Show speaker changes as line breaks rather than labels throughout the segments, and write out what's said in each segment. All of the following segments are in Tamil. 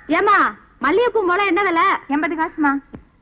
ஏமா மல்லிகைப்பூ முளை என்ன விலை?
80 காசுமா.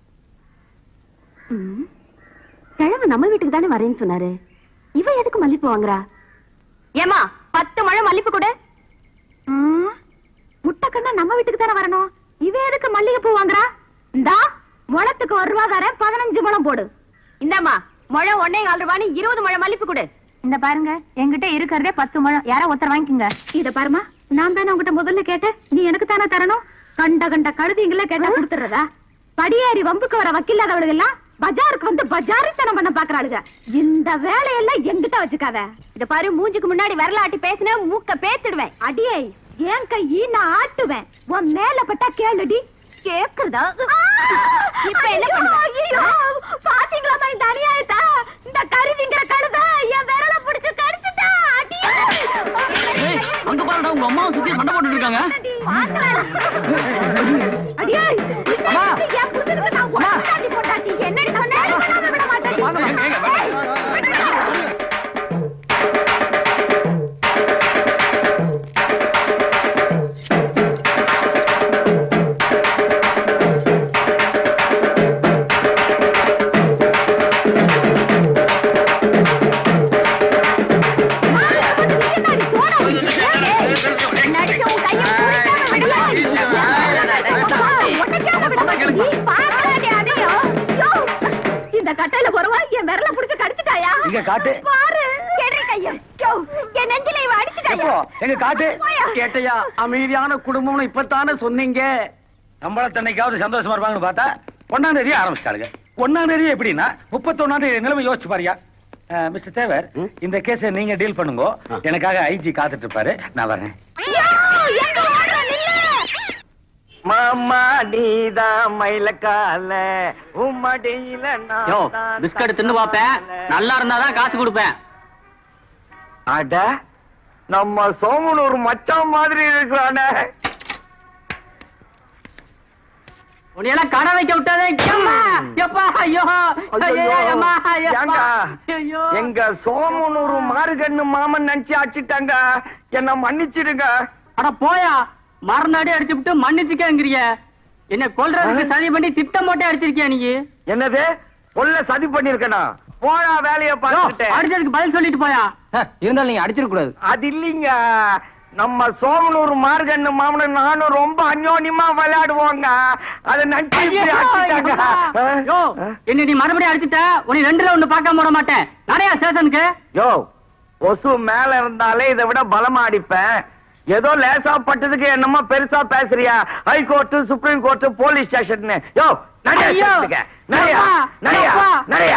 கிழமை நம்ம வீட்டுக்கு தானே வரேன்னு சொன்னாரு. இவ எதுக்கு மல்லிப்பூ வாங்குறா? ஏமா 10 முழம் மல்லிப்பூ கொடு. முட்டைக்கண்ணா நம்ம வீட்டுக்கு தானே வரணும். இவ எதுக்கு மல்லிகைப்பூ வாங்குறா? இந்தா முளத்துக்கு 1 ரூபா தரேன், 15 முழம் போடு. இந்தாமா முழம் 1.25 ரூபான்னு 20 முழம் மல்லிப்பூ கொடு.
இந்த பாருங்க, என்கிட்ட இருக்கிறதே 10 முழம். யாரா ஒருத்தர் வாங்கிக்கோங்க.
இத பாருமா, நான் தானே உங்ககிட்ட முதல்ல கேட்டேன், நீ எனக்கு தானே தரணும். கண்ட கழுதிங்கள கேட்டா கொடுத்துறதா? படியேறி வம்புக்கு வர வக்கில்லாதவளுக எல்லாம் பஜாருக்கு வந்து பஜாரித்தனம் பண்ண பாக்குறாளுங்க. இந்த வேலையெல்லாம் எங்கிட்ட வச்சுக்காத. இத பாரு, மூஞ்சுக்கு முன்னாடி விரலாட்டி பேசின மூக்க பேத்துடுவேன். அடியே என் கையி நான் ஆட்டுவேன். உன் மேல பட்டா கேளுடி. கேக்குறதா? இப்ப என்ன பண்ணுவ? பாத்தீங்களா இந்த அநியாயத்தை? இந்த கருவிங்கிற கழுத என் விரல புடிச்சு கடிச்சுட்டா. அடியே
அங்க பாருடா, உங்க அம்மாவை சுத்தி சண்டை போட்டுட்டு இருக்காங்க.
அடியே அம்மா, என் புருஷனுக்கு நான் ஒட்டாட்டி போட்டாட்டி என்னடி சொன்னே? விட மாட்டேன். இந்த கட்டையில போறவா என் விரல புடிச்சு கடிச்சிட்டாயா?
இங்க காட்டு.
பாரு கேட்ரி கையா. என் நெஞ்சில இவ அடிச்சிட்டாயா?
எங்க காட்டு. கேட்டையா? அமைதியான குடும்பம்னு இப்பத்தானே சொன்னீங்க. நம்மளத்தன்னைக்காவது சந்தோஷமா இருப்பாங்கன்னு பார்த்தா 1ஆம் தேதி ஆரம்பிச்சிட்டாளுங்க. 1ஆம் தேதி எப்படின்னா 31ஆம் தேதி நிலைமை யோசிச்சு பாரியா. மிஸ்டர் தேவர், இந்த கேஸை நீங்க டீல் பண்ணுங்க. எனக்காக ஐஜி காத்துட்டு இருப்பாரு, நான் வரேன்.
மாமா நீதான் மயிலக்கால உம்மடியில
பிஸ்கட் தின்னு பாப்பேன், நல்லா இருந்தாதான் காசு கொடுப்பேன்.
அட, நம்ம சோமனூர் மச்சான் மாதிரி இருக்கிறானே.
உன்னையெல்லாம் கடை வைக்க விட்டாதே.
எங்க சோமனூர் மாறுகண்ணு மாமன் நினைச்சு அடிச்சிட்டாங்க, என்ன மன்னிச்சிடுங்க.
அட போயா, மறந்தாடி அடிச்சு விட்டு மன்னிச்சுக்கங்கிறிய. என்ன கொல்றதுக்கு சதி பண்ணி திட்டம் போட்டே அடிச்சிருக்கியா நீ?
என்னது கொல்ல சதி பண்ணிருக்கனா? போயா வேலைய பார்த்துட்டு.
அடிச்சதுக்கு பதில் சொல்லிட்டு போயா. இருந்தாலும் நீங்க அடிச்சிருக்க கூடாது. அது
இல்லீங்க, நம்ம சோமனூர் மார்கண்ணு மாமன் நானும் ரொம்ப அந்யோன்யமா விளையாடுவோங்க. அத நினைச்சு
என்ன நீ மறுபடியும் அடிச்சுட்ட, உன்னை 2ல 1 பார்க்காம விட மாட்டேன். நிறைய ஸ்டேஷனுக்கு.
யோ, ஒசு மேல இருந்தாலே இதை விட பலமா அடிப்பேன். ஏதோ லேசா பட்டதுக்கு என்னமோ பெருசா பேசுறியா? High court, supreme court, police station. யோ நிறைய நிறைய நிறைய